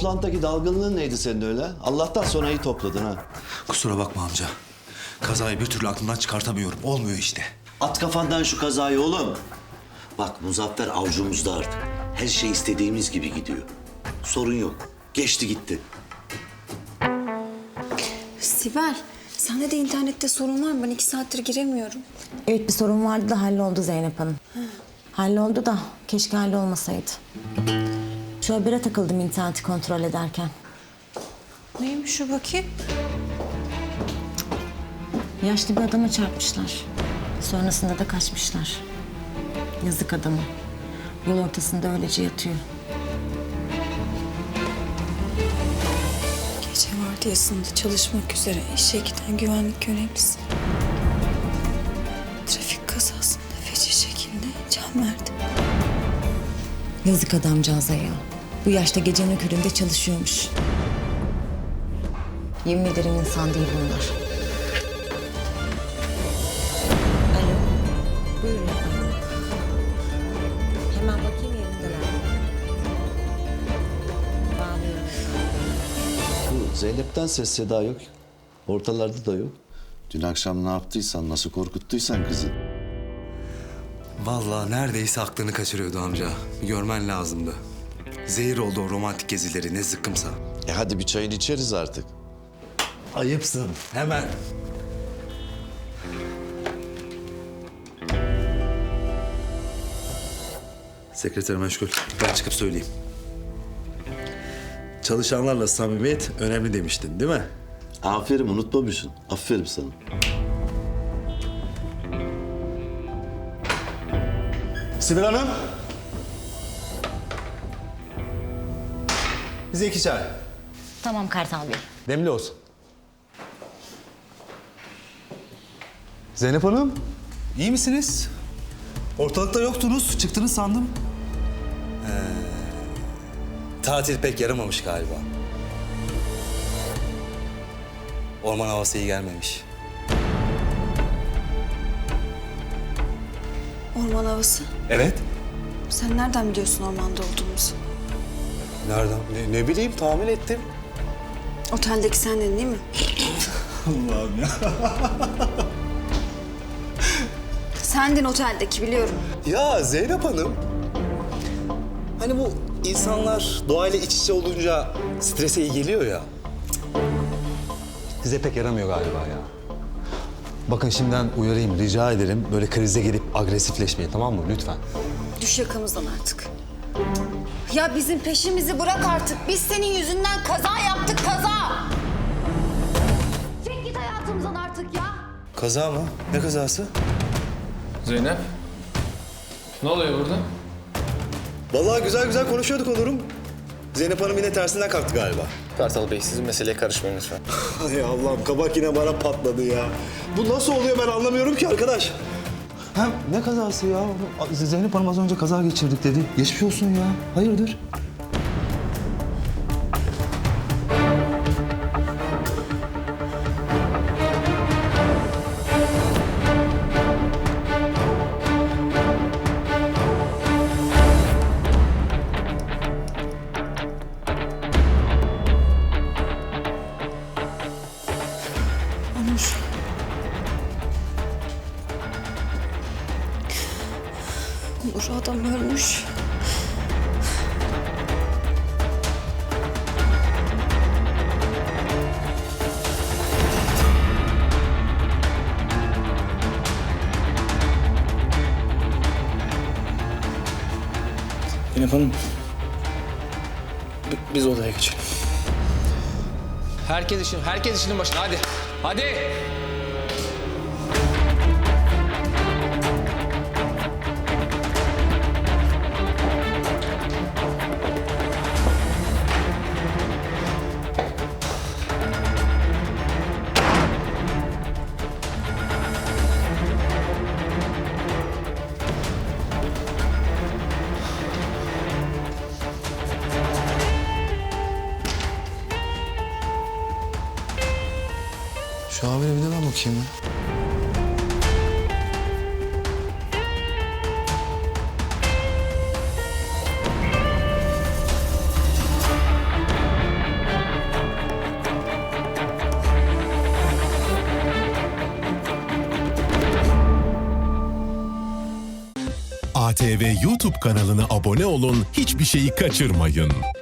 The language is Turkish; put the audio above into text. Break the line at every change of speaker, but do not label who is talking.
toplantıdaki dalgınlığın neydi senin öyle? Allah'tan sonra iyi topladın ha.
Kusura bakma amca. Kazayı bir türlü aklımdan çıkartamıyorum. Olmuyor işte.
At kafandan şu kazayı oğlum. Bak Muzaffer avucumuzda artık. Her şey istediğimiz gibi gidiyor. Sorun yok. Geçti gitti.
Sibel, sende de internette sorun var mı? Ben 2 saattir giremiyorum.
Evet, bir sorun vardı da halloldu Zeynep Hanım. Halloldu da keşke hallolmasaydı. Şu habere takıldım interneti kontrol ederken.
Neymiş şu bakayım?
Yaşlı bir adama çarpmışlar. Sonrasında da kaçmışlar. Yazık adamı. Yol ortasında öylece yatıyor.
Gece vardiyasında çalışmak üzere işe giden güvenlik görevlisi. Trafik kazasında feci şekilde can verdi.
Yazık adamcağıza ya. Bu yaşta gecenin köründe çalışıyormuş. Yemin ederim insan değil bunlar. Alo. Buyurun efendim. Hemen bakayım yerindeler. Bağlıyorum.
Bu Zeynep'ten ses seda yok. Ortalarda da yok.
Dün akşam ne yaptıysan, nasıl korkuttuysan kızı.
Vallahi neredeyse aklını kaçırıyordu amca. Görmen lazımdı. Zehir oldu o romantik gezileri ne zıkkımsa.
Hadi bir çayını içeriz artık.
Ayıpsın. Hemen. Sekreter meşgul. Ben çıkıp söyleyeyim. Çalışanlarla samimiyet önemli demiştin değil mi?
Aferin, unutmamışsın. Aferin sana.
Sibel Hanım. Bize 2 çay.
Tamam Kartal Bey.
Demli olsun. Zeynep Hanım, iyi misiniz? Ortalıkta yoktunuz, çıktınız sandım.
Tatil pek yaramamış galiba. Orman havası iyi gelmemiş.
Orman havası.
Evet.
Sen nereden biliyorsun ormanda olduğumuzu?
Nereden? Ne bileyim tahmin ettim.
Oteldeki sendin değil mi?
Allah'ım ya.
Sendin oteldeki biliyorum.
Ya Zeynep Hanım. Hani bu insanlar doğayla iç içe olunca strese iyi geliyor ya.
Size pek yaramıyor galiba ya. Bakın şimdiden uyarayım, rica ederim. Böyle krize gelip agresifleşmeyin, tamam mı? Lütfen.
Düş yakamızdan artık. Ya bizim peşimizi bırak artık. Biz senin yüzünden kaza yaptık, kaza.
Çek git hayatımızdan artık ya.
Kaza mı? Ne kazası?
Zeynep, ne oluyor burada?
Vallahi güzel güzel konuşuyorduk Onur'um. Zeynep Hanım yine tersinden kalktı galiba.
Kartal Bey, sizin meseleye karışmayın lütfen.
Ay Allah'ım kabak yine bana patladı ya. Bu nasıl oluyor ben anlamıyorum ki arkadaş.
Hem ne kazası ya? Zeynep Hanım az önce kaza geçirdik dedi. Geçmiş olsun ya. Hayırdır?
Onur. Onur adam ölmüş.
Zeynep Hanım, biz odaya geçelim. Herkes işinin başına hadi. Hadi.
Şu habere bir de ben bakayım ya.
ATV YouTube kanalına abone olun, hiçbir şeyi kaçırmayın.